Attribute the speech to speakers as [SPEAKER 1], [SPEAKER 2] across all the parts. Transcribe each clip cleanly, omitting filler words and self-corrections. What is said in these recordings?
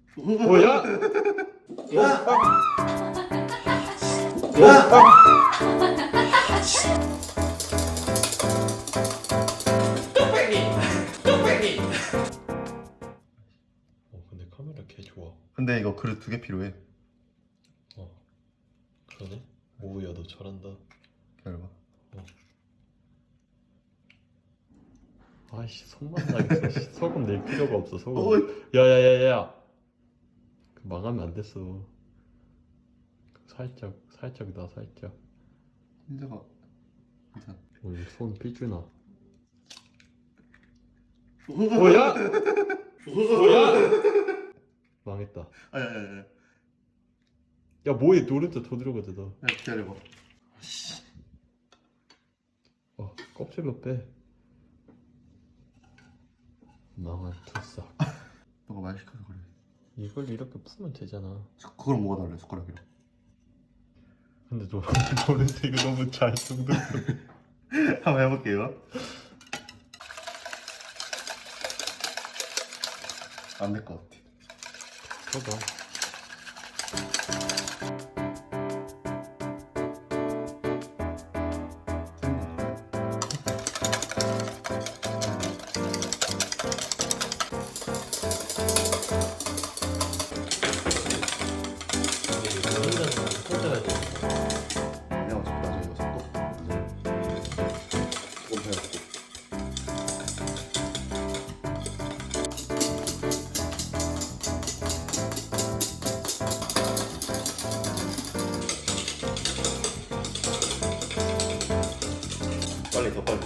[SPEAKER 1] 뭐야?
[SPEAKER 2] 야!
[SPEAKER 1] 근데 카메라 개 좋아.
[SPEAKER 2] 근데 이거 그릇 2개 필요해.
[SPEAKER 1] 그러네. 오우야 너 잘한다.
[SPEAKER 2] 기다려봐.
[SPEAKER 1] 아이씨 손만 나겠어. 씨. 소금 낼 필요가 없어 소금. 야야야야. 망하면 안 됐어. 살짝 나 살짝.
[SPEAKER 2] 혼자가 이상.
[SPEAKER 1] 오늘 손 삐주나. 뭐야? 뭐야? 망했다.
[SPEAKER 2] 아야야야.
[SPEAKER 1] 야 뭐해 노른자 더 들어가자 너.
[SPEAKER 2] 야 기다려봐.
[SPEAKER 1] 껍질로 빼. 망한 투싹.
[SPEAKER 2] 너가 말 시켜서 그래.
[SPEAKER 1] 이걸 이렇게 풀면 되잖아.
[SPEAKER 2] 그걸 뭐가 달래 숟가락이랑.
[SPEAKER 1] 근데 너 노른자 이거 너무 잘 둥둥.
[SPEAKER 2] 한번 해볼게요. 안 될 것 같아.
[SPEAKER 1] 봐봐.
[SPEAKER 2] 내가 어차피 나중에 이거 섞어. 조금 해갖고. 빨리 더 빨리.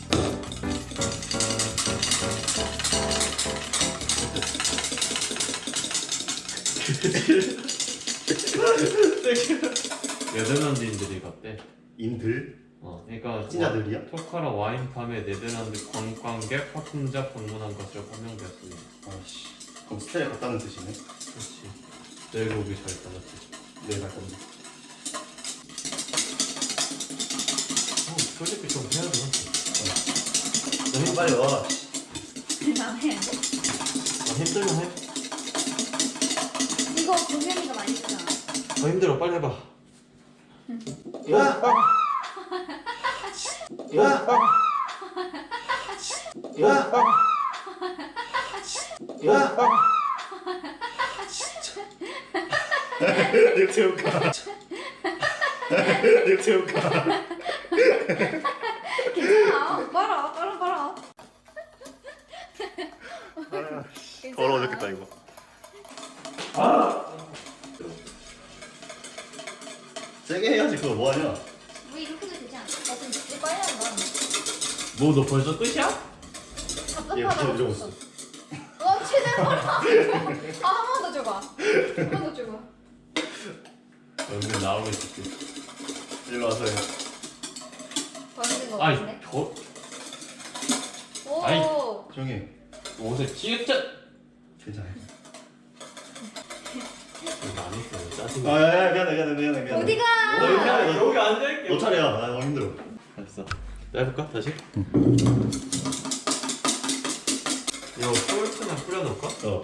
[SPEAKER 1] 네덜란드인들이 갔대.
[SPEAKER 2] 인들?
[SPEAKER 1] 그러니까
[SPEAKER 2] 찐자들이야?
[SPEAKER 1] 토카라 와인팜에 네덜란드 관광객 파품자 방문한 것으로 판명되었습니다.
[SPEAKER 2] 아씨. 그럼 스테이 갔다는 뜻이네.
[SPEAKER 1] 그렇지. 내일 오기 잘했다 맞지?
[SPEAKER 2] 내일 갈 건데.
[SPEAKER 1] 솔직히 좀 해야 돼.
[SPEAKER 2] 너무 빨리 와.
[SPEAKER 3] 나 해야 돼?
[SPEAKER 1] 힘들면 해.
[SPEAKER 3] 이거 동현이가 많이 쓰잖아.
[SPEAKER 1] 힘들어 빨리 해봐.
[SPEAKER 2] 야! 야! 야! 야! 육체육가. 육체육가.
[SPEAKER 3] 괜찮아. 빨아.
[SPEAKER 2] 더러워 죽겠다 이거. 세게 해야지. 그거 뭐하냐?
[SPEAKER 3] 우리 이렇게 해도 되지 않아? 좀 늦게 빨리 하는 거야.
[SPEAKER 1] 너 벌써 끝이야?
[SPEAKER 2] 얘
[SPEAKER 3] 답답하다고
[SPEAKER 2] 무조건
[SPEAKER 3] 줬어. 최대한 빨아. 한 번 더 줘봐. 한 번 더 줘봐.
[SPEAKER 1] 연근 나오고 있을게.
[SPEAKER 2] 일로 와서 해.
[SPEAKER 3] 더 힘든 거
[SPEAKER 1] 아이
[SPEAKER 3] 같은데?
[SPEAKER 1] 저 아이.
[SPEAKER 3] 오.
[SPEAKER 2] 조용히 해.
[SPEAKER 1] 옷에 찌릿짜.
[SPEAKER 2] 괜찮아.
[SPEAKER 1] 이거 안 했어요. 짜증나.
[SPEAKER 2] 아야야 미안해.
[SPEAKER 3] 어디가?
[SPEAKER 1] 여기 앉아있게.
[SPEAKER 2] 너 차례야. 나 너무 힘들어.
[SPEAKER 1] 알았어. 해볼까 다시? 이거 솔트나 뿌려놓을까?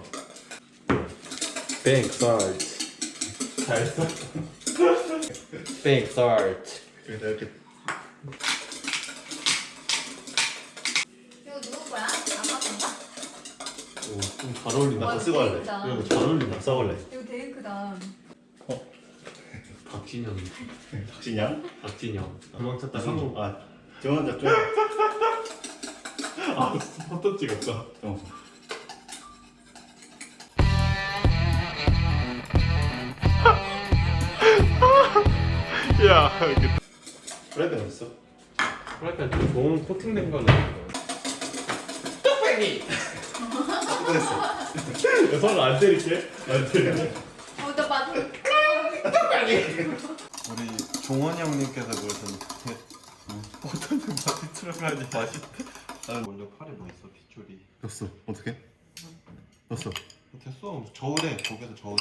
[SPEAKER 1] Bank salt. 잘했어? Bank salt.
[SPEAKER 2] 여기다 이렇게.
[SPEAKER 3] 이거 누구 거야? 아빠 건가?
[SPEAKER 1] 좀 잘 어울린다.
[SPEAKER 2] 나 쓰고 할래.
[SPEAKER 3] 크다.
[SPEAKER 1] 이거 잘 어울린다.
[SPEAKER 2] 써볼래.
[SPEAKER 3] 이거 되게 크다.
[SPEAKER 1] 박진영.
[SPEAKER 2] 박진양?
[SPEAKER 1] 박진영. 도망 찾다
[SPEAKER 2] 성공.
[SPEAKER 1] 성공.
[SPEAKER 2] 조원자 좀.
[SPEAKER 1] 포토 찍었다. 야,
[SPEAKER 2] 프라이팬 어딨어?
[SPEAKER 1] 프라이팬 좀 좋은 코팅된 거는 뚝배기.
[SPEAKER 2] 꺼냈어.
[SPEAKER 1] 손안 때릴게. 안 때릴게.
[SPEAKER 3] 나 맞아.
[SPEAKER 4] 우리 종원이 형님께서 그러셨는데 어떤 맛이 들어가야지 맛있대. 나는 먼저 팔에 뭐 있어? 빗줄이.
[SPEAKER 2] 넣었어. 어떻게? 넣었어.
[SPEAKER 4] 됐어. 저울에 거기서 저울에.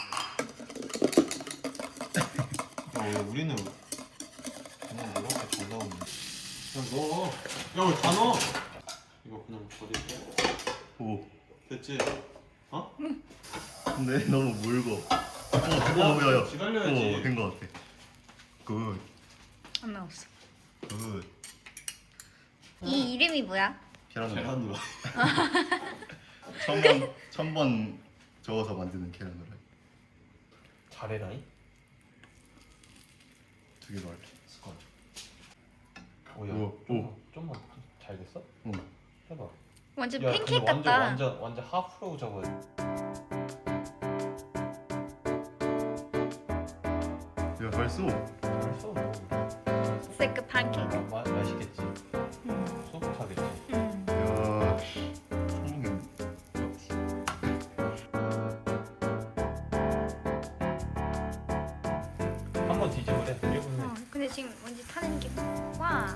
[SPEAKER 4] 야, 우리는 그냥 이렇게 잘 나오는데.
[SPEAKER 1] 그냥 넣어. 야, 왜 다 넣어? 이거 그냥 버릴게.
[SPEAKER 2] 오.
[SPEAKER 1] 됐지? 어?
[SPEAKER 2] 근데 너무 물고. 야야.
[SPEAKER 1] 기다려야지.
[SPEAKER 2] 된거 같아. 굿.
[SPEAKER 3] 안 나왔어.
[SPEAKER 2] 굿.
[SPEAKER 3] 이 이름이 뭐야?
[SPEAKER 2] 계란
[SPEAKER 1] 계란
[SPEAKER 2] 후라이.
[SPEAKER 1] 후라이.
[SPEAKER 2] 천번 저어서 만드는 계란 후라이.
[SPEAKER 1] 잘해라잉.
[SPEAKER 2] 2개로 할게.
[SPEAKER 1] 스콘. 오야.
[SPEAKER 2] 오.
[SPEAKER 1] 좀만 잘 됐어?
[SPEAKER 2] 응.
[SPEAKER 1] 해봐.
[SPEAKER 3] 완전
[SPEAKER 1] 야,
[SPEAKER 3] 팬케이크
[SPEAKER 1] 근데
[SPEAKER 3] 같다.
[SPEAKER 1] 완전 하프로 저거.
[SPEAKER 2] 야 벌써.
[SPEAKER 1] 잘써.
[SPEAKER 3] 세크 팬케이크.
[SPEAKER 1] 맛있겠지. 소프트하겠지.
[SPEAKER 2] 야 성공했네.
[SPEAKER 1] 한번 뒤집으래. 뒤집으면.
[SPEAKER 3] 근데 지금 뭔지 타는 게 와.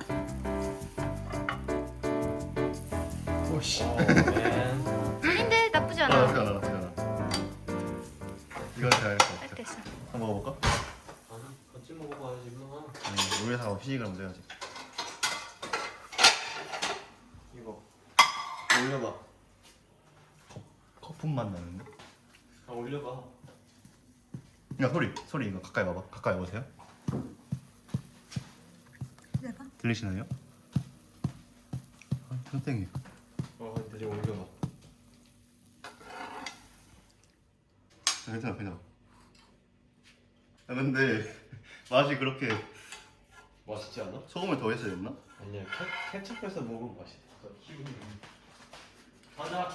[SPEAKER 2] 오씨.
[SPEAKER 3] 아닌데 나쁘지 않아.
[SPEAKER 2] 나쁘지 않아. 이건 잘할 것
[SPEAKER 3] 딱
[SPEAKER 2] 같아.
[SPEAKER 3] 됐어.
[SPEAKER 2] 한번 먹어볼까?
[SPEAKER 1] 같이 먹어봐야지 뭐.
[SPEAKER 2] 우리 다 휘식을 먼저 해야지.
[SPEAKER 1] 이거 올려봐.
[SPEAKER 2] 거품 맛 나는데?
[SPEAKER 1] 올려봐.
[SPEAKER 2] 야 소리 이거 가까이 봐봐. 가까이 오세요.
[SPEAKER 3] 내가?
[SPEAKER 2] 들리시나요? 땡땡이.
[SPEAKER 1] 근데 좀 올려봐.
[SPEAKER 2] 괜찮아. 근데 맛이 그렇게
[SPEAKER 1] 맛있지 않아?
[SPEAKER 2] 소금을 더 했어야 됐나?
[SPEAKER 1] 아니야. 케첩해서 먹으면 맛있어. 가자.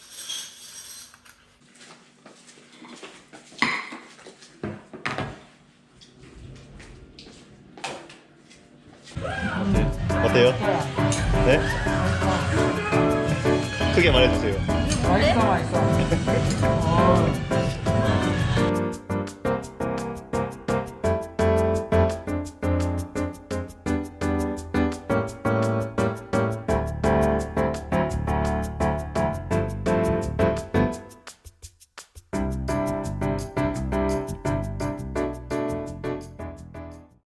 [SPEAKER 2] 어때요? 네? 크게 말해주세요.
[SPEAKER 5] 맛있어 맛있어